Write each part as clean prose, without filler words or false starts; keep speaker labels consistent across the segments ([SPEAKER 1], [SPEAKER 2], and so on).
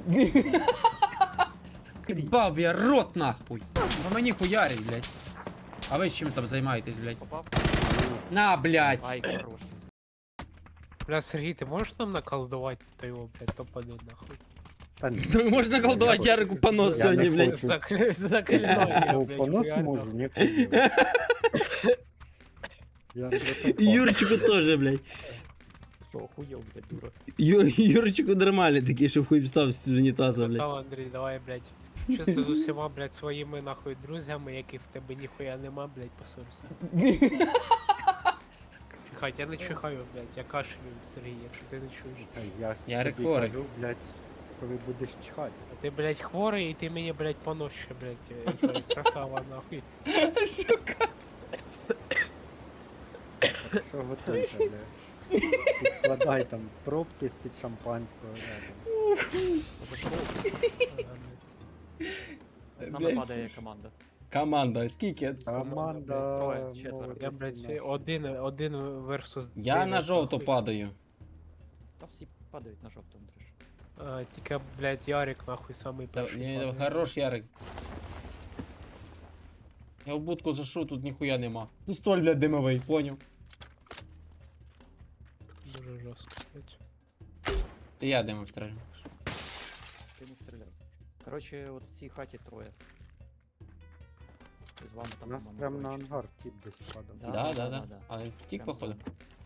[SPEAKER 1] Бав я рот нахуй. По мені хуярить, блядь. А ви чим там займаєтесь, блядь?
[SPEAKER 2] Попав?
[SPEAKER 1] На, блядь.
[SPEAKER 2] Ай, хорош.
[SPEAKER 3] Бля, Сергій, ти можеш нам наколдувати то його, блядь, топану нахуй?
[SPEAKER 4] Та ні.
[SPEAKER 1] Ну, можна колдувати Ярику понос
[SPEAKER 4] Я
[SPEAKER 1] сьогодні,
[SPEAKER 4] не
[SPEAKER 1] блядь.
[SPEAKER 4] хочу.
[SPEAKER 3] Заклинання,
[SPEAKER 4] Ну,
[SPEAKER 3] блядь,
[SPEAKER 4] понос
[SPEAKER 3] хуярно.
[SPEAKER 4] можу, не курю. Я не
[SPEAKER 1] І Юрчику теж, блядь.
[SPEAKER 2] Що, охуєв, блядь, дура.
[SPEAKER 1] Юрчику нормальний такий, щоб хуй встав з унітаза, блядь.
[SPEAKER 3] Красава, Андрій, давай, блядь. Щось ти з усіма, блядь, своїми нахуй друзями, яких в тебе ніхуя нема, блядь, посорився. Чихать, я не чихаю, блядь, я кашлюю, Сергій, якщо ти не чуєш.
[SPEAKER 1] Я
[SPEAKER 4] тобі
[SPEAKER 1] хворий.
[SPEAKER 4] кажу, блядь, коли будеш чихати.
[SPEAKER 3] А ти, блядь, хворий, і ти мені, блядь, понос ще, блядь, красава, нахуй.
[SPEAKER 1] Сука.
[SPEAKER 4] Що готуйся, блядь. Підкладай там пробки з-під шампанського рядом.
[SPEAKER 2] З нами падає команда.
[SPEAKER 1] Команда, скільки?
[SPEAKER 4] Команда...
[SPEAKER 2] Троє, четверо.
[SPEAKER 4] молодець
[SPEAKER 3] Я, блядь,
[SPEAKER 4] наша.
[SPEAKER 3] один версус...
[SPEAKER 1] Я на
[SPEAKER 3] дев'ять,
[SPEAKER 1] жовту
[SPEAKER 3] нахуй.
[SPEAKER 1] падаю.
[SPEAKER 2] Та всі падають на жовтому, Андрюш.
[SPEAKER 3] Тільки, блядь, Ярик, нахуй, самий перший. падає.
[SPEAKER 1] Хорош, Ярик. Я в будку зашу, тут ніхуя нема. Пістоль, блядь, димовий, поняв.
[SPEAKER 3] Дуже жорстко, блядь.
[SPEAKER 1] Це я димов стрелю.
[SPEAKER 2] Ти не стріляв. Коротше, от в цій хаті троє. І з вами
[SPEAKER 4] У
[SPEAKER 2] там
[SPEAKER 4] нас
[SPEAKER 2] мама
[SPEAKER 4] прям на
[SPEAKER 2] коротше.
[SPEAKER 4] ангар тип десь падав.
[SPEAKER 1] Да. Але втік,
[SPEAKER 2] Прям
[SPEAKER 1] походу.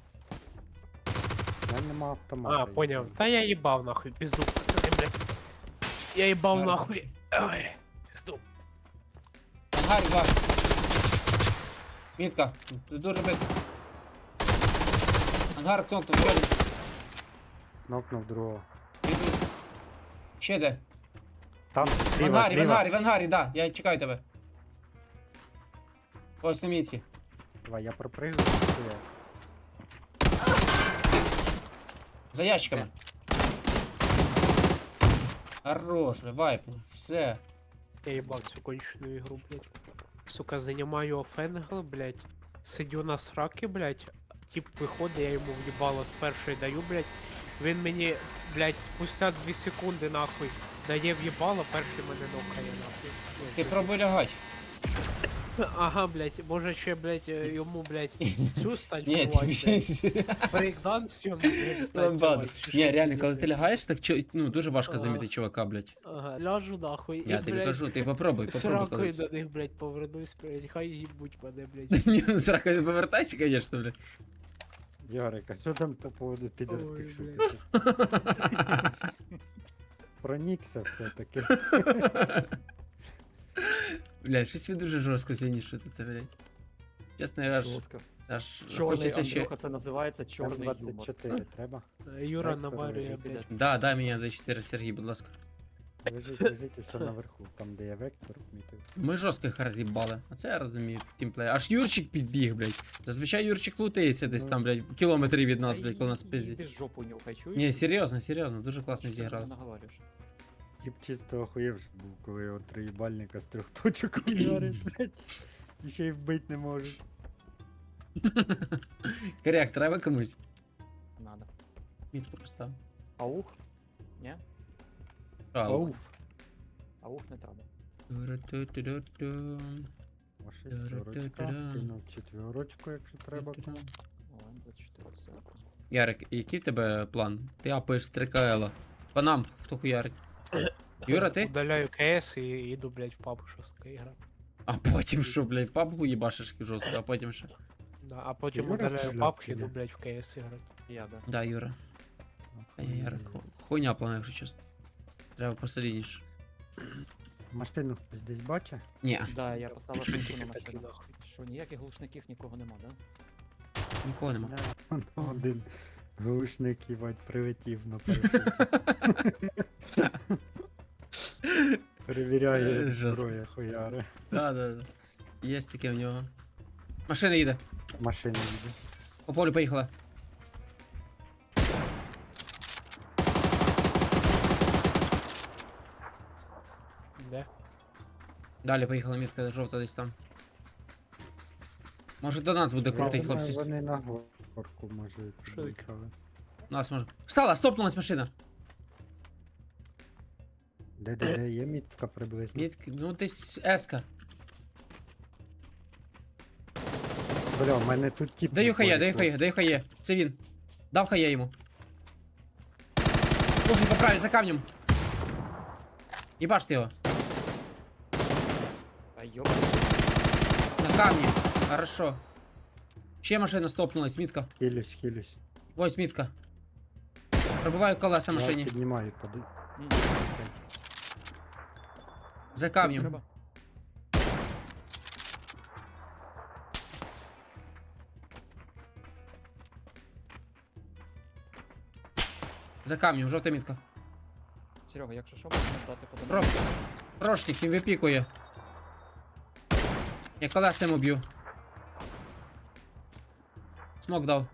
[SPEAKER 4] У мене нема автомата.
[SPEAKER 3] А, поняв. Та я їбав нахуй, пізду, пацани, блядь. Я їбав
[SPEAKER 1] Да.
[SPEAKER 3] нахуй. Ой, пізду.
[SPEAKER 1] Ангар, два. Мітка, ти дуже бити. Ангар, кнопку, виходить.
[SPEAKER 4] Нокнув другого.
[SPEAKER 1] Ще де?
[SPEAKER 4] Там,
[SPEAKER 1] В
[SPEAKER 4] зліва,
[SPEAKER 1] ангарі, в
[SPEAKER 4] зліва.
[SPEAKER 1] ангарі, в ангарі, да. Я чекаю тебе. Ось на мітці.
[SPEAKER 4] Давай, я пропригаю. стояв.
[SPEAKER 1] За ящиками. Хорош, вайп, все.
[SPEAKER 3] Я їбав цю кончену ігру, блядь. Сука, занимаю офенгл, блядь. Сидю на сраки, блядь. Тип виходить, я йому в'їбало з першої даю, блядь. Він мені, блядь, спустя 2 секунди, нахуй, дає в'їбало, перший мене нокає, нахуй. Ну,
[SPEAKER 1] Ти
[SPEAKER 3] блядь.
[SPEAKER 1] пробуй лягать.
[SPEAKER 3] Ага, блядь, може ще, блядь, йому, блядь, цю
[SPEAKER 1] Ні,
[SPEAKER 3] станцювати,
[SPEAKER 1] ти
[SPEAKER 3] блядь. Брейкданс сьому, блядь, станцювати.
[SPEAKER 1] Ламбаду.
[SPEAKER 3] чи
[SPEAKER 1] Ні,
[SPEAKER 3] що,
[SPEAKER 1] реально,
[SPEAKER 3] блядь,
[SPEAKER 1] коли ти лягаєш, так ну дуже важко
[SPEAKER 3] Ага.
[SPEAKER 1] замітити чувака, блядь.
[SPEAKER 3] Ага, ляжу нахуй.
[SPEAKER 1] Я
[SPEAKER 3] і,
[SPEAKER 1] тобі
[SPEAKER 3] блядь,
[SPEAKER 1] кажу, ти попробуй
[SPEAKER 3] сракою
[SPEAKER 1] колись.
[SPEAKER 3] до них, блядь, повернусь, блядь, хай їбуть мене, блядь.
[SPEAKER 1] Ні, зрака не повертайся, конечно, блядь.
[SPEAKER 4] Ярик, а що там по поводу підерських
[SPEAKER 3] Ой,
[SPEAKER 4] шуток? Пронікся все-таки.
[SPEAKER 1] Блядь, щось ви дуже жорстко сьогодні шутите, блядь. Чесно, я аж
[SPEAKER 2] Жорстко.
[SPEAKER 1] хочеться
[SPEAKER 2] Чорний,
[SPEAKER 1] ще...
[SPEAKER 2] Андрюха, це називається чорний юмор.
[SPEAKER 4] М24 треба?
[SPEAKER 3] Юра
[SPEAKER 4] Вектор
[SPEAKER 3] наварює,
[SPEAKER 4] лежить.
[SPEAKER 3] блядь.
[SPEAKER 1] Да, дай мені за 4, Сергій, будь ласка.
[SPEAKER 4] Лежить все наверху, там де я вектор мітив.
[SPEAKER 1] Ми жорстко їх роз'їбали. А це я розумію, тімплей. Аж Юрчик підбіг, блядь. Зазвичай Юрчик лутається десь там, блядь, кілометри від нас, блядь, коли нас пиздять.
[SPEAKER 2] Ти жопу нюхай, чуєш?
[SPEAKER 1] Ні, серйозно, дуже класно
[SPEAKER 2] Що ти
[SPEAKER 1] зіграли.
[SPEAKER 2] наговорюєш?
[SPEAKER 4] Тіп чисто охуєв ж був, коли його триїбальника з 3 точок ударить, блядь. І ще й вбить не можуть.
[SPEAKER 1] Коряк, треба комусь.
[SPEAKER 2] Надо.
[SPEAKER 1] Мітку постав.
[SPEAKER 2] Аух? Ні?
[SPEAKER 4] Ауф.
[SPEAKER 2] Аух не треба.
[SPEAKER 1] Ту-ру-ту-ту-ру-ту.
[SPEAKER 4] О, шестерочка, скинув четверочку, якщо треба.
[SPEAKER 2] О, М24, все.
[SPEAKER 1] Ярик, який в тебе план? Ти апаєш з 3КЛ. По нам, хто хуярить? Юра, ти?
[SPEAKER 3] Удаляю КС і йду, блядь, в папу жорстко грати.
[SPEAKER 1] А потім що, блядь, папку їбашиш жорстко, а потім що?
[SPEAKER 3] Да, а потім
[SPEAKER 4] Юра
[SPEAKER 3] удаляю
[SPEAKER 4] стріляв
[SPEAKER 3] папку
[SPEAKER 4] чи
[SPEAKER 3] і йду,
[SPEAKER 4] ні?
[SPEAKER 3] блядь, в КС грати.
[SPEAKER 2] Я, да.
[SPEAKER 1] Да, Юра. А я Ярик, хуйня план, якщо чесно. Треба посолідніше.
[SPEAKER 4] Машину хтось десь бачить?
[SPEAKER 1] Ні,
[SPEAKER 2] Да, я поставив
[SPEAKER 3] Що
[SPEAKER 2] пункту на
[SPEAKER 3] тільки такі,
[SPEAKER 2] машину.
[SPEAKER 3] нахуй.
[SPEAKER 2] Що, ніяких глушників нікого нема, да?
[SPEAKER 1] нікого нема.
[SPEAKER 4] Воно один глушник, їбать, прилетів на парашуті. Перевіряє
[SPEAKER 1] Жорстко.
[SPEAKER 4] зброя хуяри.
[SPEAKER 1] Да. Є таке в нього. Машина їде.
[SPEAKER 4] Машина їде.
[SPEAKER 1] По полю поїхала.
[SPEAKER 3] Де?
[SPEAKER 1] Далі поїхала мітка жовта десь там. Може до нас буде крутий,
[SPEAKER 4] Я думаю,
[SPEAKER 1] хлопці.
[SPEAKER 4] Вони на горку, може,
[SPEAKER 3] Що
[SPEAKER 4] під'їхали.
[SPEAKER 1] Нас може. Встала, стопнулась машина.
[SPEAKER 4] Де є мітка приблизно?
[SPEAKER 1] Ну десь еска.
[SPEAKER 4] Бля, у мене тут тіп.
[SPEAKER 1] Даю
[SPEAKER 4] на
[SPEAKER 1] хає, даю
[SPEAKER 4] полі,
[SPEAKER 1] хає, даю хає. Це він. Дав хає йому. Слушай, поправить за камнем. Ебашь його.
[SPEAKER 2] А ёб.
[SPEAKER 1] На камні. Хорошо. Ще машина стопнулась, мітка.
[SPEAKER 4] Хилюсь.
[SPEAKER 1] Ось мітка. Пробиваю колеса
[SPEAKER 4] Я
[SPEAKER 1] машині.
[SPEAKER 4] піднімаю,
[SPEAKER 2] М,
[SPEAKER 1] За камнем.
[SPEAKER 2] треба.
[SPEAKER 1] За камнем, жовта мітка.
[SPEAKER 2] Серега, якщо що, можна дати
[SPEAKER 1] Про...
[SPEAKER 2] подарунок.
[SPEAKER 1] Прошник, він випікує. Я колеса йому б'ю. Смок дав.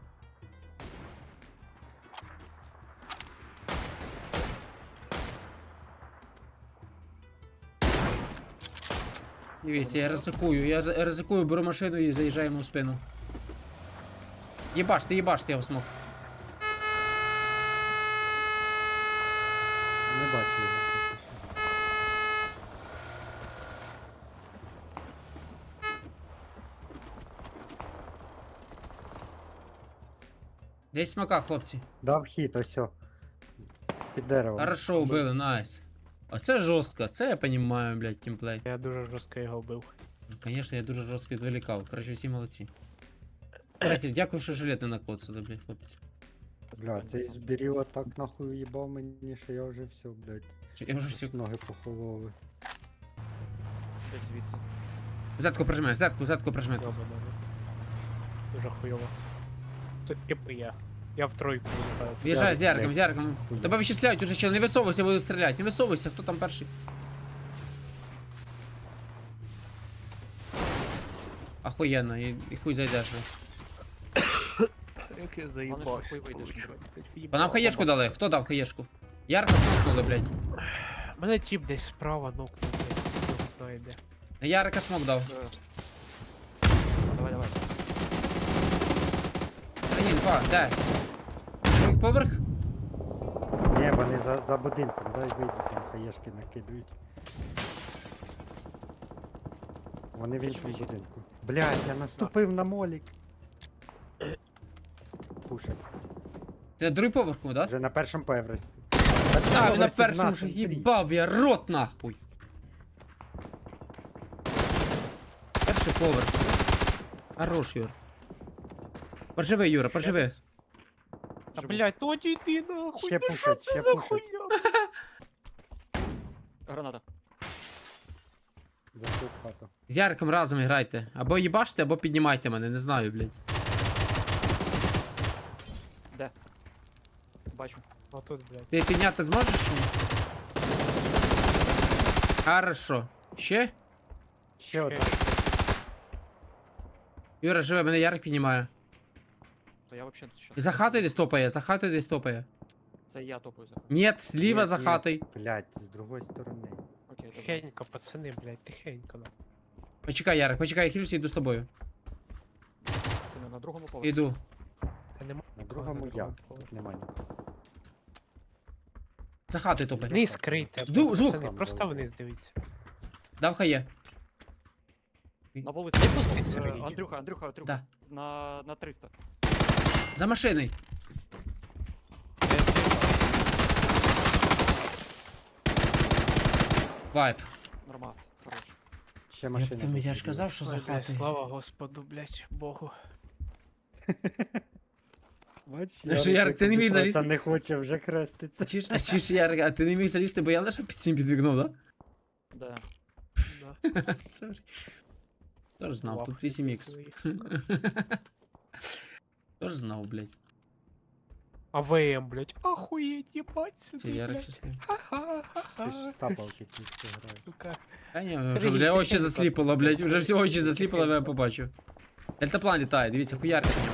[SPEAKER 1] Дивіться, я ризикую, беру машину і заїжджаю йому в спину. Єбаште, я в смок.
[SPEAKER 4] Не бачу його поки що.
[SPEAKER 1] Десь смока, хлопці.
[SPEAKER 4] Дав хід, ось. Під деревом.
[SPEAKER 1] Хорошо, убили, найс. Оце жорстко, це я понімаю, блядь, тімплей.
[SPEAKER 3] Я дуже жорстко його вбив.
[SPEAKER 1] Ну, конечно, я дуже жорстко відволікав. Коротше, всі молодці. Кстати, дякую, що жилет не накоцали, блядь, хлопці.
[SPEAKER 4] Бля, цей збіріло так нахуй уїбав мені, що я вже все, блядь.
[SPEAKER 1] Я вже все.
[SPEAKER 4] Ноги похололи.
[SPEAKER 2] Десь звідси.
[SPEAKER 1] Зетку прижми, зетку прижми тут.
[SPEAKER 3] Йобаний. Дуже хуйово. Тут типу я. Я в тройку вилітаю.
[SPEAKER 1] В'їжджай з
[SPEAKER 4] Ярик,
[SPEAKER 1] Яриком.
[SPEAKER 4] блядь.
[SPEAKER 1] Тебе вичисляють уже, чел, не висовуйся, буду стріляти. Не висовуйся, хто там перший? Охуєнно, і хуй зайдеш.
[SPEAKER 3] Як я
[SPEAKER 2] Главное,
[SPEAKER 3] заїбався.
[SPEAKER 2] що хуй вийдеш, Андрюх.
[SPEAKER 1] По нам хаєшку дали, хто дав хаєшку? Ярко смокнули, блядь.
[SPEAKER 3] Мене тип десь справа нокнув, блядь. Хто знає де.
[SPEAKER 1] На Ярика смок дав.
[SPEAKER 2] Давай.
[SPEAKER 1] Один, два, де? Другий поверх?
[SPEAKER 4] Ні, вони за будинком, дай вийду, там хаєшки накидують. Вони в
[SPEAKER 2] Біжи,
[SPEAKER 4] іншому
[SPEAKER 2] біжи.
[SPEAKER 4] будинку. Блядь, я наступив на молік. Пушек.
[SPEAKER 1] Ти на другий поверх, да?
[SPEAKER 4] Вже на першому поверсі.
[SPEAKER 1] А, він на першому вже їбав, я рот нахуй. Перший поверх. Хорош, Юр. Поживи, Юра, поживи.
[SPEAKER 3] Та
[SPEAKER 2] Живу.
[SPEAKER 3] блядь, ну одійди нахуй,
[SPEAKER 4] Ще
[SPEAKER 3] ну що
[SPEAKER 4] пушать,
[SPEAKER 3] це
[SPEAKER 4] ще
[SPEAKER 3] за
[SPEAKER 4] пушать.
[SPEAKER 3] хуйня?
[SPEAKER 2] Граната.
[SPEAKER 4] Зайшов в хату.
[SPEAKER 1] З Яриком разом грайте. Або їбаште, або піднімайте мене, не знаю, блядь.
[SPEAKER 2] Де? Бачу.
[SPEAKER 3] Отут, блядь.
[SPEAKER 1] Ти підняти зможеш чи ні? Хорошо. Ще?
[SPEAKER 4] Ще один.
[SPEAKER 1] Юра, живе, мене Ярик піднімає.
[SPEAKER 2] То я вообще тут щас.
[SPEAKER 1] За хатою десь топає, за хатою десь топає.
[SPEAKER 2] Це я топаю за хату.
[SPEAKER 1] Ні, зліва
[SPEAKER 4] Ні,
[SPEAKER 1] за
[SPEAKER 4] ні.
[SPEAKER 1] хатою.
[SPEAKER 4] Блядь, з другої сторони.
[SPEAKER 2] Окей, добре.
[SPEAKER 3] Тихенько, пацани, блядь, тихенько. нахуй.
[SPEAKER 1] Почекай, Ярик, почекай, я хилюся, йду з тобою.
[SPEAKER 2] Це не на другому поверсі.
[SPEAKER 1] Іду.
[SPEAKER 3] Та нема
[SPEAKER 4] На
[SPEAKER 3] нікого
[SPEAKER 4] другому я.
[SPEAKER 3] другому
[SPEAKER 4] Тут
[SPEAKER 3] поверсі.
[SPEAKER 4] нема нікого.
[SPEAKER 1] За хатою топає.
[SPEAKER 3] Вниз крийте,
[SPEAKER 1] Звук.
[SPEAKER 3] пацани, просто вниз дивіться.
[SPEAKER 1] Дав хає.
[SPEAKER 2] На вулиці.
[SPEAKER 3] Не пусти Сергій.
[SPEAKER 2] Андрюха.
[SPEAKER 1] Да.
[SPEAKER 2] На 300.
[SPEAKER 1] За машиною. Вайп.
[SPEAKER 2] Нормас. Хорош.
[SPEAKER 4] Ще машина.
[SPEAKER 1] Я ж казав, що за
[SPEAKER 3] Ой, блядь,
[SPEAKER 1] хатою.
[SPEAKER 3] слава Господу, блядь, Богу.
[SPEAKER 4] Бач,
[SPEAKER 1] Ну що, Ярик, ти не міг залізти?
[SPEAKER 4] Та не хоче вже хреститься.
[SPEAKER 1] Чи ж, Ярик, а ти не міг залізти, бо я лише під цим під вікном, да?
[SPEAKER 2] Да.
[SPEAKER 3] Да.
[SPEAKER 1] Сорі. Тож знав,
[SPEAKER 3] Лапки
[SPEAKER 1] тут 8х.
[SPEAKER 3] свої, сука.
[SPEAKER 1] Тож знав, блядь.
[SPEAKER 3] А ВМ, блядь, охуеть, ебать
[SPEAKER 1] Це
[SPEAKER 3] сюди,
[SPEAKER 1] Ярик
[SPEAKER 3] блядь.
[SPEAKER 1] щасливий.
[SPEAKER 4] Ти ж
[SPEAKER 3] Ха-ха-ха-ха.
[SPEAKER 4] з тапалки тільки граєш.
[SPEAKER 3] Сука.
[SPEAKER 1] Та ні,
[SPEAKER 3] Сергій,
[SPEAKER 1] вже, бля, очі
[SPEAKER 3] тихенько.
[SPEAKER 1] засліпало, блядь, вже всі очі засліпало, я побачив. Дельтаплан літає, дивіться, хуярка в ньому.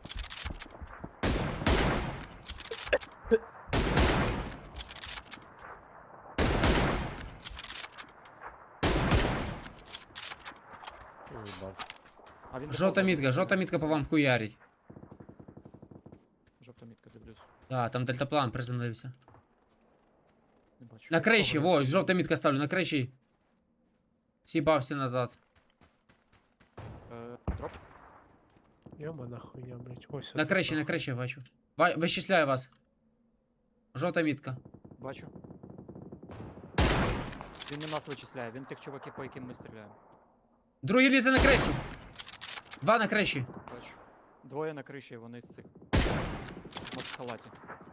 [SPEAKER 4] Уїбав.
[SPEAKER 2] А він
[SPEAKER 1] Жовта мітка по вам хуярить.
[SPEAKER 2] Жовта мітка, дивлюсь.
[SPEAKER 1] Так, там дельтаплан приземлився.
[SPEAKER 2] Не бачу.
[SPEAKER 1] На криші, во, жовта мітка ставлю, на криші. Сібався назад.
[SPEAKER 2] Дроп.
[SPEAKER 3] Йома нахуя, блядь. Ось
[SPEAKER 1] На
[SPEAKER 3] отут,
[SPEAKER 1] криші, на
[SPEAKER 3] нахуй.
[SPEAKER 1] криші бачу. Вичисляю вас. Жовта мітка.
[SPEAKER 2] Бачу. Він не нас вичисляє, він тих чуваків, по яким ми стріляємо.
[SPEAKER 1] Другий лізе на кришу. Два на криші.
[SPEAKER 2] Бачу. Двоє на криші, вони з цих. Маскалаті.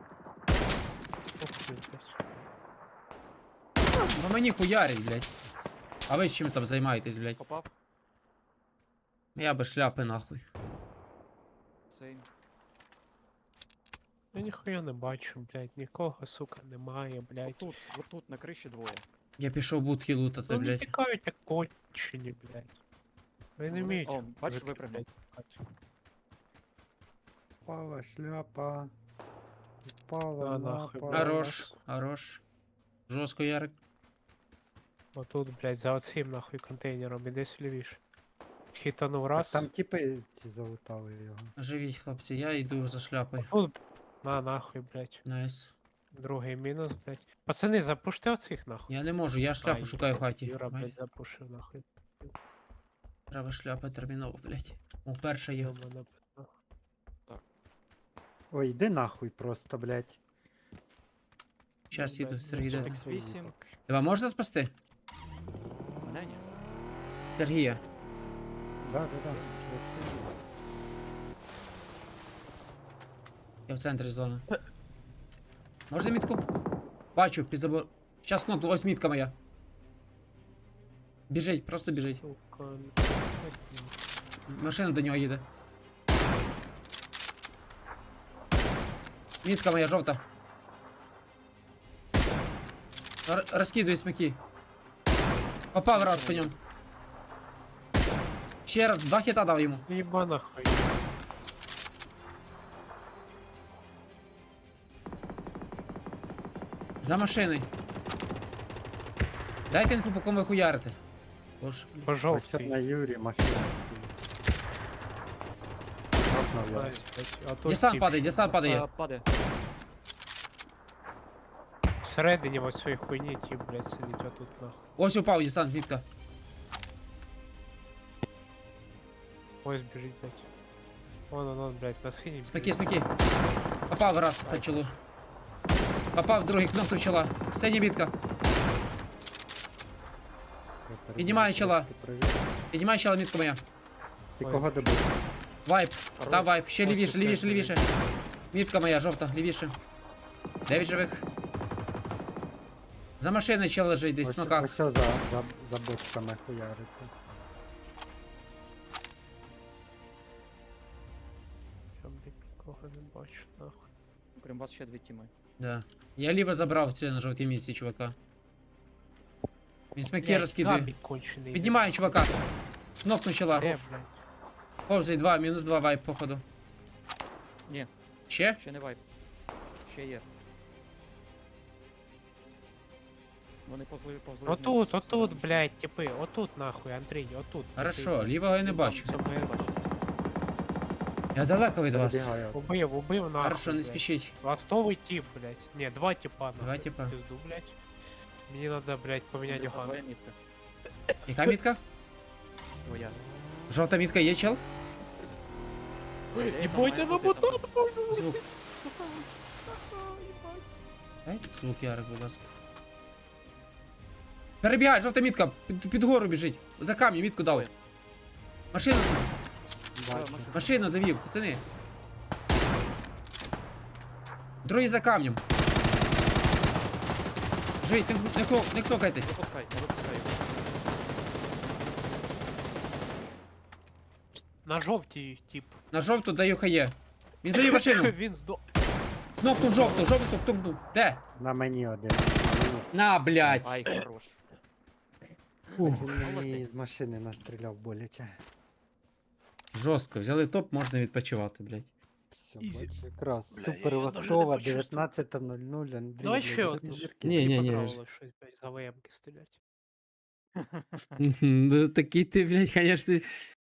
[SPEAKER 3] Ух ти, блядь.
[SPEAKER 1] По мені хуярить, блядь. А ви чим там займаєтесь, блядь?
[SPEAKER 2] Попав.
[SPEAKER 1] Я без шляпи нахуй.
[SPEAKER 2] Цей.
[SPEAKER 3] Я ніхуя не бачу, блядь. Нікого, сука, немає, блядь.
[SPEAKER 2] Отут, на криші двоє.
[SPEAKER 1] Я пішов будки лутати,
[SPEAKER 3] Вони
[SPEAKER 1] блядь.
[SPEAKER 3] тікають як кончені, блядь. Ви не
[SPEAKER 2] Вони-
[SPEAKER 3] вміють.
[SPEAKER 2] О, бачиш,
[SPEAKER 3] мужики,
[SPEAKER 2] випрыгнув.
[SPEAKER 3] блядь, тікати.
[SPEAKER 4] Впала шляпа. Впала
[SPEAKER 3] А, нахуй,
[SPEAKER 4] лапа.
[SPEAKER 3] блядь.
[SPEAKER 1] Хорош, хорош. Жорстко, Ярик.
[SPEAKER 3] Отут, блядь, за оцим нахуй контейнером, іди лівіше. Хітанув
[SPEAKER 4] Так
[SPEAKER 3] раз.
[SPEAKER 4] там типи ці залутали його.
[SPEAKER 1] Живіть, хлопці, я йду за шляпою.
[SPEAKER 3] Тут, на нахуй, блядь.
[SPEAKER 1] Найс.
[SPEAKER 3] Другий мінус, блядь. Пацани, запушти оцих нахуй.
[SPEAKER 1] Я не можу, я шляпу
[SPEAKER 3] Ай,
[SPEAKER 1] шукаю в хаті.
[SPEAKER 3] Юра,
[SPEAKER 1] Ай,
[SPEAKER 3] блядь, запушив нахуй.
[SPEAKER 1] треба шляпа терміново, блядь. О, перша є.
[SPEAKER 3] Йома, нахуй.
[SPEAKER 4] Ой, йди нахуй просто, блядь.
[SPEAKER 1] Щас
[SPEAKER 3] Ну,
[SPEAKER 1] їду,
[SPEAKER 3] блядь,
[SPEAKER 1] Сергій де.
[SPEAKER 3] ну,
[SPEAKER 1] там?
[SPEAKER 2] X8.
[SPEAKER 1] Тебе можна спасти?
[SPEAKER 2] Мене ні.
[SPEAKER 1] Сергія.
[SPEAKER 4] Да.
[SPEAKER 1] Я в центрі зони. Можна мітку? Бачу, під забор. Щас кнопку, ось мітка моя. Біжить, просто біжить.
[SPEAKER 3] Сука,
[SPEAKER 1] Машина до нього їде. Мітка моя жовта. Розкидую смаки. Попав раз по ньому. Ще раз, 2 хіта дав йому.
[SPEAKER 3] Єба нахуй.
[SPEAKER 1] За машиною. Дайте інфу, по кому ви хуярите. Боже.
[SPEAKER 3] По
[SPEAKER 4] Ось
[SPEAKER 3] жовтий.
[SPEAKER 4] на Юрі машина. Грохнув його.
[SPEAKER 3] Блядь, а тут
[SPEAKER 1] Десант
[SPEAKER 3] тип
[SPEAKER 1] падає, десант падає.
[SPEAKER 2] Падає.
[SPEAKER 3] всередині ось цієї хуйні тип, блядь, сидить отут нахуй.
[SPEAKER 1] Ось упав десант, мітка.
[SPEAKER 3] Ось біжить, блядь. Он, блядь, на синій.
[SPEAKER 1] Смаки, смаки. Попав раз по чолу. Попав другий кнопку чола. Синя мітка. Піднімаю чола. Піднімай чола, мітка моя.
[SPEAKER 4] Ти кого добив?
[SPEAKER 1] Вайп.
[SPEAKER 2] Хорош.
[SPEAKER 1] Та вайп. Ще
[SPEAKER 3] Ось
[SPEAKER 1] лівіше,
[SPEAKER 3] усе,
[SPEAKER 1] лівіше,
[SPEAKER 3] блядь.
[SPEAKER 1] лівіше. Мітка моя, жовта, лівіше. 9 живих. За машиною чел лежить десь в
[SPEAKER 4] Ось
[SPEAKER 1] смоках.
[SPEAKER 4] ось за бочками хуяриться.
[SPEAKER 3] Я, блядь, нікого не бачу, нахуй.
[SPEAKER 2] Крім вас ще дві тіми.
[SPEAKER 1] Да. Я ліво забрав це на жовтій місці, чувака. Він смаки
[SPEAKER 3] Блядь,
[SPEAKER 1] розкидує.
[SPEAKER 3] гамбік кончений.
[SPEAKER 1] Піднімаю, чувака. Кнопку чола.
[SPEAKER 3] Де, блядь?
[SPEAKER 1] Повзай 2, мінус 2 вайп, походу.
[SPEAKER 2] Ні,
[SPEAKER 1] Ще?
[SPEAKER 2] ще не вайп. Ще є. Вони повзли
[SPEAKER 3] Отут,
[SPEAKER 2] вниз,
[SPEAKER 3] отут,
[SPEAKER 2] всередину.
[SPEAKER 3] блядь, типи, отут нахуй, Андрій, отут.
[SPEAKER 1] Хорошо, лівого я не
[SPEAKER 2] Там
[SPEAKER 1] бачу.
[SPEAKER 2] цього я бачу.
[SPEAKER 1] Я далеко від вас.
[SPEAKER 4] Перебігаю.
[SPEAKER 3] Убив нахуй.
[SPEAKER 1] Хорошо, не
[SPEAKER 3] блядь.
[SPEAKER 1] спішіть.
[SPEAKER 3] Ластовий тип, блядь. Не, два типа нахуй.
[SPEAKER 1] Два типа.
[SPEAKER 3] Пизду, блядь. Мені надо, блядь, поменять
[SPEAKER 2] Твоя
[SPEAKER 3] ган.
[SPEAKER 2] мітка.
[SPEAKER 1] Яка мітка?
[SPEAKER 2] Твоя.
[SPEAKER 1] Жовта мітка є, чел?
[SPEAKER 3] Ебать, я на ботан
[SPEAKER 1] Звук. Дайте звук, Ярик, будь ласка. Перебігай, жовта мітка, під гору біжить. За камінь мітку дав.
[SPEAKER 2] Ой.
[SPEAKER 1] Машину,
[SPEAKER 4] Бачу.
[SPEAKER 1] машину завів, пацани. Другий за камнем. Живіть, не кнокайтесь.
[SPEAKER 2] Випускай, не випускай його.
[SPEAKER 3] На жовтій тип.
[SPEAKER 1] На жовту даю хає. Він завів машину.
[SPEAKER 3] Він здох.
[SPEAKER 1] Кнопку жовту кнопку. Де?
[SPEAKER 4] На мені один. На мені.
[SPEAKER 1] На, блядь.
[SPEAKER 2] Ай, хорош.
[SPEAKER 1] Фух.
[SPEAKER 4] Він мені
[SPEAKER 2] Молодець.
[SPEAKER 4] з машини настріляв боляче.
[SPEAKER 1] Жорстко, взяли топ, можна відпочивати, блядь.
[SPEAKER 4] Все,
[SPEAKER 3] Ізі.
[SPEAKER 4] бачу, якраз.
[SPEAKER 3] Бля,
[SPEAKER 4] Супер
[SPEAKER 3] я даже
[SPEAKER 4] Востова,
[SPEAKER 3] не почувствував.
[SPEAKER 4] 19:00, Андрій.
[SPEAKER 3] Давай ще
[SPEAKER 4] блядь,
[SPEAKER 3] одну.
[SPEAKER 4] зірки.
[SPEAKER 1] Ні, ні, ні.
[SPEAKER 3] Понравилось щось, блядь, за ВМки стрілять.
[SPEAKER 1] Ну такий ти, блядь, конечно,